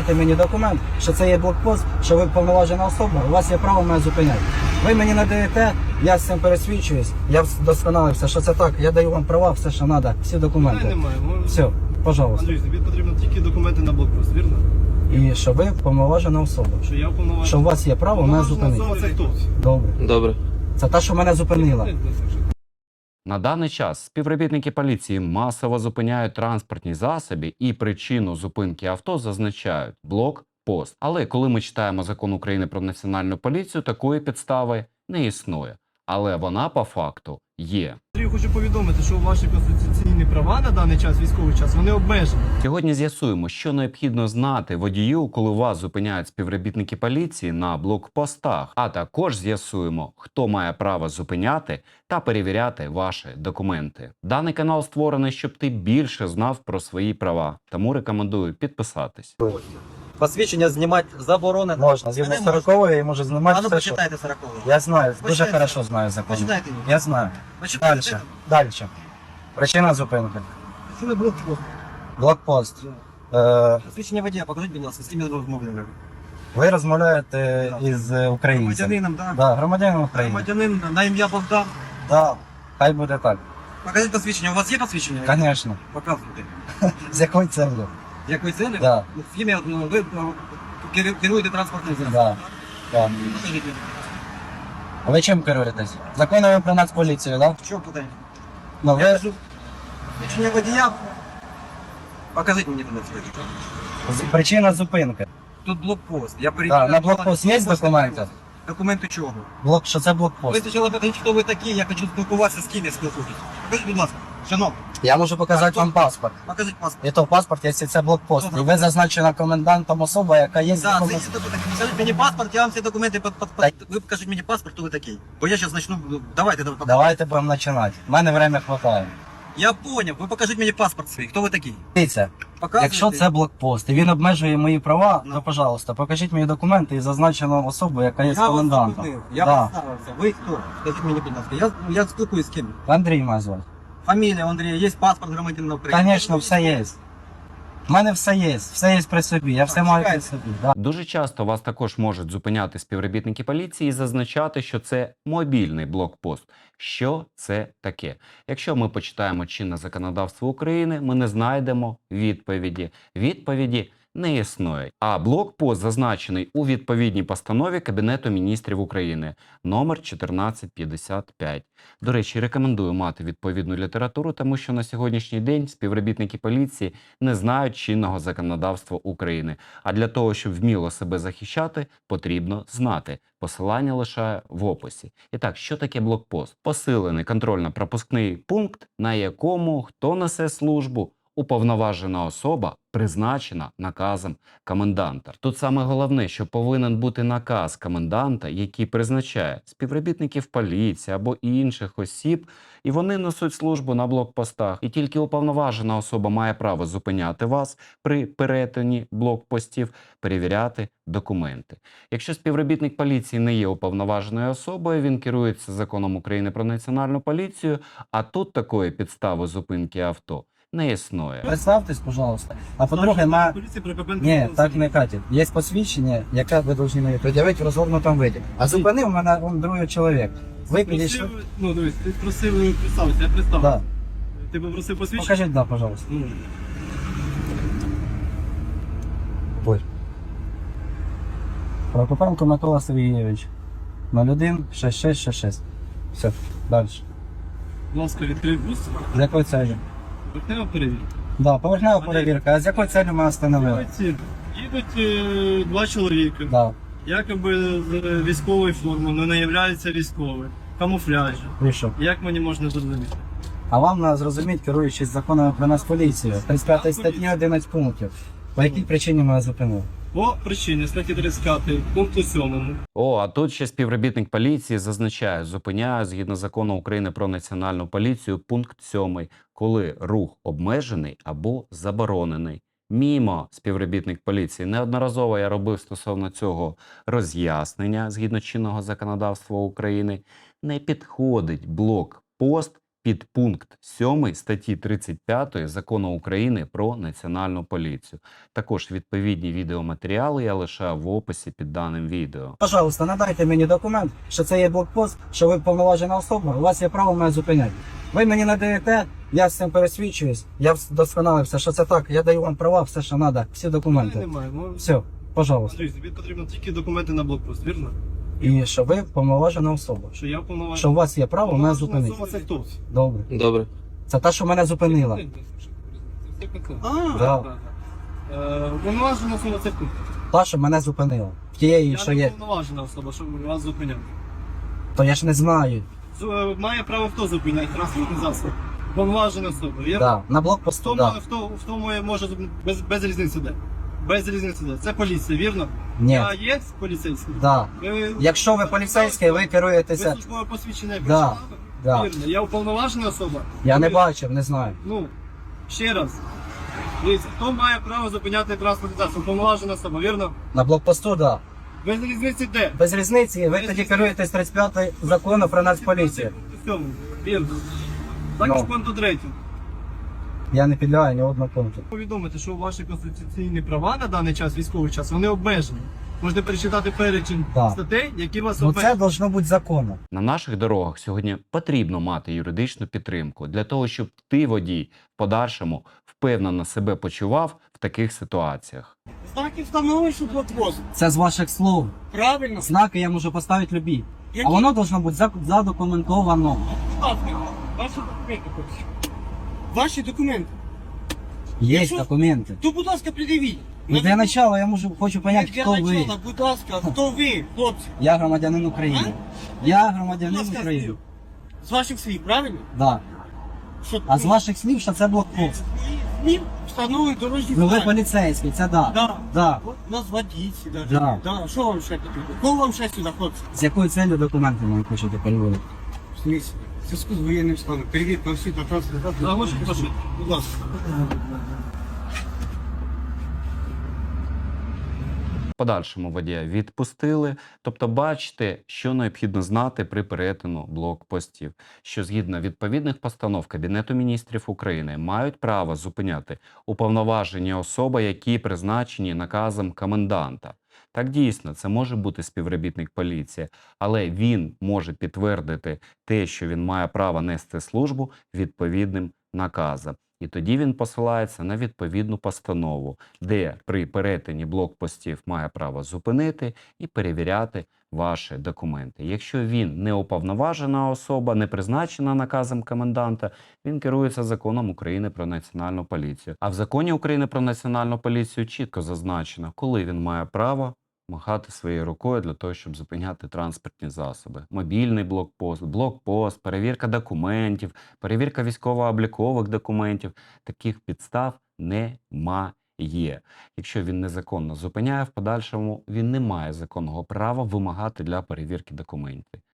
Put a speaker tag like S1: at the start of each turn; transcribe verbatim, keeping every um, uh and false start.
S1: покажете мені документ, що це є блокпост, що ви повноважена особа, у вас є право мене зупиняти. Ви мені надаєте, я з цим пересвідчуюсь, я вдосконалився, що це так, я даю вам права, все, що треба, всі документи.
S2: Немає. Ми...
S1: Все, пожалуйста.
S2: Андрій, тобі потрібно тільки документи на блокпост, вірно?
S1: І що ви повноважена особа.
S2: Що я уповноважений.
S1: Що у вас є право мене
S2: Уповноважена
S1: зупинити.
S2: особа це хто?
S1: Добре.
S3: Добре.
S1: Це та, що мене зупинила.
S4: На даний час співробітники поліції масово зупиняють транспортні засоби і причину зупинки авто зазначають – блокпост. Але коли ми читаємо Закон України про національну поліцію, такої підстави не існує. Але вона по факту є.
S2: Андрій, хочу повідомити, що ваші конституційні права на даний час, військовий час, вони обмежені.
S4: Сьогодні з'ясуємо, що необхідно знати водію, коли вас зупиняють співробітники поліції на блокпостах. А також з'ясуємо, хто має право зупиняти та перевіряти ваші документи. Даний канал створений, щоб ти більше знав про свої права. Тому рекомендую підписатись.
S5: Посвідчення знімати заборонено.
S1: Можна, згідно
S5: А не можна.
S1: сорокової я можу знімати
S5: А ну
S1: все, що...
S5: почитайте сорокову.
S1: Я знаю, дуже
S5: Почитайте.
S1: хорошо знаю закон.
S5: Почитайте.
S1: Я знаю.
S5: Почитайте.
S1: Дальше. Дальше. Причина зупинки.
S5: Що ви блокпост?
S1: Блокпост. Е,
S5: Посвідчення водія, покажіть, будь ласка, з ким я розмовляю.
S1: ви розмовляєте із е, українцем.
S5: Громадянином, так?
S1: Да, громадянин України.
S5: Громадянин на ім'я Богдан.
S1: Да. Хай буде так.
S5: Покажіть посвідчення. У вас є посвідчення?
S1: Звісно.
S5: Показуйте.
S1: З якою целью?
S5: З якої цілі?
S1: Да.
S5: В ім'я, ну, ви ну, керу- керуєте транспортним засобом.
S1: Да. Да.
S5: Покажіть мені.
S1: А ви чим керуєтесь? Законами про нацполіцію, так? Да?
S5: Що питання?
S1: Ну,
S5: Я
S1: ви
S5: кажу, посвідчення водія. Покажіть мені туди посвідчення.
S1: з- причина зупинки.
S5: Тут блокпост. Я
S1: Да.
S5: перевіряю.
S1: На блокпост є документи?
S5: Документи чого?
S1: Блок, що це
S5: Ви
S1: блокпост?
S5: спочатку покажіть, хто ви такі, я хочу спілкуватися з ким я спілкуюсь. Покажіть, будь ласка, шановні,
S1: Я можу показати
S5: Так,
S1: вам паспорт.
S5: покажіть паспорт.
S1: І то паспорт, якщо це блокпост. І ви зазначена комендантом особа, яка є
S5: Да, це
S1: законом.
S5: є документи. Покажіть мені паспорт, я вам ці документи под, под, под... Ви покажіть мені паспорт, хто ви такий. Бо я зараз почну, давайте, давайте.
S1: Давайте будемо починати. У мене время хватає.
S5: Я поняв, ви покажіть мені паспорт свій, хто ви такий.
S1: Дивіться,
S5: Показуєте?
S1: якщо це блокпост і він обмежує мої права,
S5: Ну.
S1: то, пожалуйста, покажіть мені документи і зазначену особу, яка є
S5: Я вас
S1: комендантом.
S5: зупинив, я
S1: Да.
S5: представився. Ви хто? Скажіть мені, будь ласка. Я, я спілкуюсь з ким?
S1: Андрій мене звати.
S5: Фамілія Андрія, є паспорт громадянина України.
S1: Звісно, все є. У мене все є, все є при собі, я все
S5: Так,
S1: маю при
S5: чекайте.
S1: собі. Да.
S4: Дуже часто вас також можуть зупиняти співробітники поліції і зазначати, що це мобільний блокпост. Що це таке? Якщо ми почитаємо чинне законодавство України, ми не знайдемо відповіді. Відповіді не існує. А блокпост зазначений у відповідній постанові Кабінету міністрів України номер чотирнадцять п'ятдесят п'ять. До речі, рекомендую мати відповідну літературу, тому що на сьогоднішній день співробітники поліції не знають чинного законодавства України. А для того, щоб вміло себе захищати, потрібно знати. Посилання лишаю в описі. І так, що таке блокпост? Посилений контрольно-пропускний пункт, на якому хто несе службу? Уповноважена особа, призначена наказом коменданта. Тут саме головне, що повинен бути наказ коменданта, який призначає співробітників поліції або інших осіб, і вони несуть службу на блокпостах. І тільки уповноважена особа має право зупиняти вас при перетині блокпостів, перевіряти документи. Якщо співробітник поліції не є уповноваженою особою, він керується законом України про національну поліцію, а тут такої підстави зупинки авто не існує.
S1: Представтесь, пожалуйста. А по-друге, на...
S2: Поліція при ППН.
S1: Ні, так не катить. Є посвідчення, яке ви повинні мені пред'явити в розгорнутому виді. А зупинив мене он другий чоловік. Ви підійшли?
S2: Просив, ну дивись, ти просив представитися, я представив.
S1: Да.
S2: Ти попросив посвідчення?
S1: Покажіть, да, пожалуйста.
S2: Ну,
S1: Ой. Прокопенко Микола Сергійович. нуль один шість шість шість шість. Все, далі.
S2: будь ласка, відкрий бус.
S1: З якою целью?
S2: Поверхнева перевірка.
S1: Да, поверхнева перевірка. А з якою целью ми остановили?
S2: Їдуть, їдуть е, два чоловіки.
S1: Да,
S2: Якоби з е, військовою формою, але не являються військовими. Камуфляжі.
S1: вийшов.
S2: Як мені можна зрозуміти?
S1: А вам треба зрозуміти, керуючись законами про нас поліцію, тридцять п'ятої статті одинадцять пунктів. По якій причині ми вас зупинили?
S2: По причині статті тридцять п'ять пункту сьомому.
S4: О, а тут ще співробітник поліції зазначає, зупиняє згідно закону України про національну поліцію пункт сьомий, коли рух обмежений або заборонений. Мімо, співробітник поліції. Неодноразово я робив стосовно цього роз'яснення згідно чинного законодавства України. Не підходить блокпост підпункт сьомий статті тридцять п'ятої Закону України про Національну поліцію. Також відповідні відеоматеріали я лишаю в описі під даним відео.
S1: Пожалуйста, надайте мені документ, що це є блокпост, що ви повноважена особа, у вас є право мене зупиняти. Ви мені надаєте, я з цим пересвідчуюсь, я вдосконалився, що це так, я даю вам права, все, що треба, всі документи.
S2: Немає. Ну,
S1: Все, пожалуйста.
S2: Андрій, тобі потрібно тільки документи на блокпост, вірно?
S1: І що ви повноважена особа.
S2: Що я повноважений.
S1: Що у вас є право мене
S2: Повноважена
S1: зупинити.
S2: особа це хто?
S1: Добре.
S3: Добре.
S1: Це та, що мене зупинила.
S2: А,
S1: Да.
S2: Е, Повноважена особа це хто?
S1: Та, що мене зупинила. В тієї,
S2: Я
S1: що
S2: не
S1: є.
S2: повноважена особа, щоб вас зупиняти.
S1: То я ж не знаю.
S2: З- е, Має право хто зупиняти транспортний засіб? Повноважена особа, вірно?
S1: Да. На
S2: В
S1: блокпосту,
S2: тому,
S1: да.
S2: в тому, в тому я можу зупинити. без, без різниці де. Без різниці де. Це поліція, вірно?
S1: Ні.
S2: Я є поліцейський?
S1: Да.
S2: Ви-
S1: Якщо ви поліцейський, ви
S2: Ви
S1: керуєтеся.
S2: службове посвідчення
S1: Да,
S2: прочитали?
S1: да.
S2: Вірно. Я уповноважена особа?
S1: Я не
S2: Ви-
S1: бачив, не знаю.
S2: Ну, ще раз. Дивіться, хто має право зупиняти транспортний засіб? Уповноважена особа, вірно?
S1: На блокпосту, да.
S2: Без різниці де?
S1: Без різниці, ви
S2: Без
S1: тоді
S2: різниці.
S1: керуєтесь тридцять п'ятий закону про нацполіцію.
S2: Цьому, вірно. Також
S1: Ну.
S2: пункту третьому.
S1: Я не підлягаю ні одного пункту.
S2: Повідомити, що ваші конституційні права на даний час, військовий час, вони обмежені. Можете перечитати перечень
S1: Так.
S2: статей, які вас
S1: Ну це
S2: обмежують.
S1: должно бути законно.
S4: На наших дорогах сьогодні потрібно мати юридичну підтримку для того, щоб ти, водій, в подальшому впевнено себе почував в таких ситуаціях.
S6: Знаки встановлюють, що блокпост.
S1: Це з ваших слов.
S6: Правильно?
S1: Знаки я можу поставити любі. А
S6: Які?
S1: воно должно бути зак- задокументовано.
S6: Будь ласка, ваші документи хочу. Ваші документи.
S1: Є
S6: Якщо-
S1: документи.
S6: То, будь ласка, придивіть.
S1: Ну для начала я можу хочу поняти,
S6: Для
S1: хто ви.
S6: начала, будь ласка, хто ви, хлопці?
S1: Я громадянин України. Я
S6: Будь
S1: громадянин
S6: ласка,
S1: України.
S6: слів. З ваших слів, правильно?
S1: Да.
S6: Що,
S1: А з ваших слів, що це блокпост.
S6: Слів встановлюють дорожні
S1: Ну ви
S6: знаки.
S1: поліцейський, це да.
S6: Да.
S1: Да.
S6: От нас водійці даже.
S1: Да.
S6: Да. Що вам ще потрібно? Кого вам ще сюди, хлопці?
S1: З якою целью документи ви хочете переводити?
S6: В смысле? В зв'язку з воєнним станом. Перевірка всіх на транспорт.
S2: Заголошую, прошу.
S6: Будь ласка.
S4: В подальшому водія відпустили. Тобто бачите, що необхідно знати при перетину блокпостів, що згідно відповідних постанов Кабінету міністрів України мають право зупиняти уповноважені особи, які призначені наказом коменданта. Так дійсно, це може бути співробітник поліції, але він може підтвердити те, що він має право нести службу відповідним наказом. І тоді він посилається на відповідну постанову, де при перетині блокпостів має право зупинити і перевіряти ваші документи. Якщо він не уповноважена особа, не призначена наказом коменданта, він керується законом України про Національну поліцію. А в законі України про Національну поліцію чітко зазначено, коли він має право махати своєю рукою для того, щоб зупиняти транспортні засоби. Мобільний блокпост, блокпост, перевірка документів, перевірка військово-облікових документів. Таких підстав немає. Якщо він незаконно зупиняє, в подальшому він не має законного права вимагати для перевірки документів.